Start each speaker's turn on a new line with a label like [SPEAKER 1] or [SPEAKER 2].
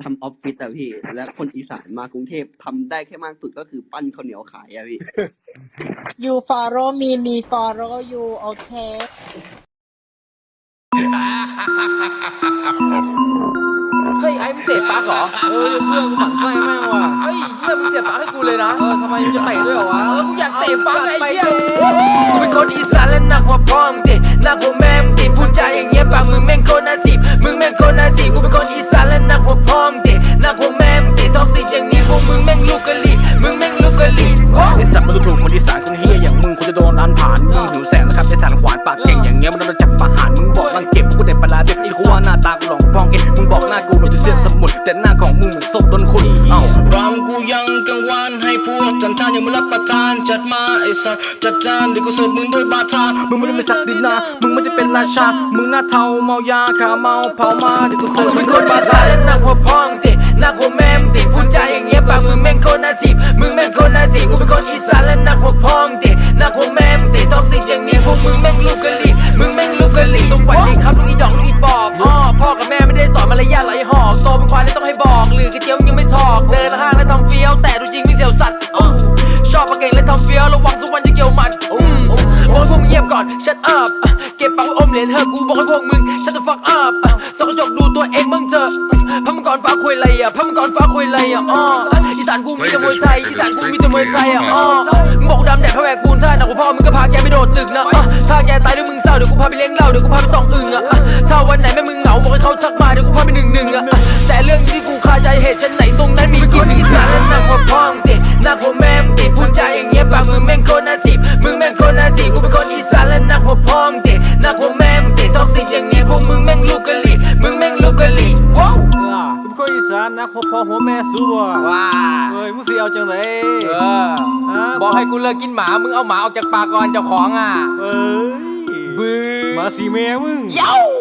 [SPEAKER 1] ำออฟฟิศอะพี่ และคนอีสานมากรุงเทพทำได้แค่มากสุดก็คือปั้นข้าวเหนียวขายอะพี่
[SPEAKER 2] you follow me me follow you โอเค
[SPEAKER 3] เฮ้ยไอ้มึงเสียบปลั๊กเหรอเพื่อนกูหมั่นไส้แม่งว่ะเฮ้ยเฮียมึงเสียบปลั๊กให้กูเลยนะทำไมมึงจะเตะด้วยเหรอวะกูอยากเตะปลั๊กไอ้เฮียกูเป็นคนอีสานและหนักกว่าพ่อมึงดิหนักกว่าแม่มึงดิพูดจาอย่างเงี้ยปากมึงแม่งโคตรน่าจีบมึงแม่งโคตรน่าจีบกูเป็นคนอีสานและหนักกว่าพ่อมึงดิหนักกว่าแม่มึงดิท็อกซิกอย่างนี้พวกมึงแม่งลูกกะลีมึงแม่งลูกกะลี
[SPEAKER 4] ไอสัตว์มันดูถูกคนอีสานคนเฮียอย่างมึงคุณจะโดนร้านผ่านมึงหิวแสงนะครับไอสารขวานปากเก่งอย่างเงี้ยมันโดนจับประหารมึงบอกรังเก็บกูเด็ดปลาแบบนี้กูว่าหน้าตากูหลงพองเองมึงบอกหน้ากูเหมือนจะเสียสมุดแต่หน้าของมึงเหมือนศพโดนขุด
[SPEAKER 5] รำกูยังกังวานให้พวกจันทานยังไม่รับประทานจัดมาไอสัตว์จัดจานเดี๋ยวกูเสิร์ฟมึงด้วยบาทา
[SPEAKER 4] มึงไม่ได้เป็นศักดินามึงไม่ได้เป็นราชามึงหน้าเทาเมายาขาเมาเผามาเดี๋ยวกูเสิร์ฟมึงด้วยบาทา
[SPEAKER 3] หนักกว่าพ่อมึงดิหนักกว่าแม่มึงดิพูดจาอย่างเงี้ยปากมึงแม่งโคตรน่าจีบมึงแม่งโคตรน่าจีบกูเป็นคนอีสานและหนักกว่าพ่อมึงดิหนักกว่าแม่มึงดิท็อกซิกอย่างนี้พวกมึงแม่งลูกกะลีมึงแม่งลูกกะลีสวัสดีครับลูกอีดอกลูกอีปอบพ่อกับแม่ไม่ได้สอนมารยาทไหลหอกโตเป็นควายเลยต้องให้บอกหรือกระเจียวยังไม่ถอกเดินห้างแล้วทำเฟี้ยวแต่ดูจริงวิ่งเสียวสัตว์ชอบปากเก่งและทำเฟี้ยวระวังทุกวันจะเกี่ยวหมัดบอกให้พวกมึงเงียบก่อน shut up เก็บปากไว้อมเหรียญเถอะกูบอกให้พวกมึง shut the fuck up ส่องกระจกดูตัวเองมึงเถอะพระมังกรฟ้าคุยอะไรพระมังกรฟ้าคุยอะไรอีสานกูมีแต่มวยไทยอีสานกูมีแต่มวยไทยมึงบอกกูดำแดดพระแวกปูนท่าหนักกว่าพ่อมึงก็พาแกไปโดดตึกนะถ้าแกตายด้วยมึงเศร้าเดี๋ยวกูพาไปเลี้ยงเหล้าเดี๋ยวกูพาไปส่องอึ่งถ้าวันไหนแม่มึงเหงาบอกให้เขาทักมาเดี๋ยวกูพาไปหนึ่งแต่เรื่องที่กูคาใจเหตุฉันไหนตรงนั้นมีคนอีสานและหนักกว่าพ่อมึงดิหนักกว่าแม่มึงดิพูดจาอย่างเงี้ยปากมึงแม่งโคตรน่าจีบมึงแม่งโคตรน่าจีบกูเป็นคนอีสานและหนักกว่าพ่อมึงดิหนักกว่าแม่มึงดิท็อกซิกอย่างเงี้ยพวกมึงแม่งลูกกะลีมึงแม่งลูกกะลีว้าว
[SPEAKER 4] กูเป็นคนอีสานนะพ่อหัวแม่สู้
[SPEAKER 3] ว้า
[SPEAKER 4] เฮ้ยมึงสิเอาจังได
[SPEAKER 3] บอกให้กูเลิกกินหมามึงเอาหมาออกจากปากก่อนเจ้าของ
[SPEAKER 4] เอ้ย
[SPEAKER 3] บื้อ
[SPEAKER 4] มาสิแม่มึง
[SPEAKER 3] เย้า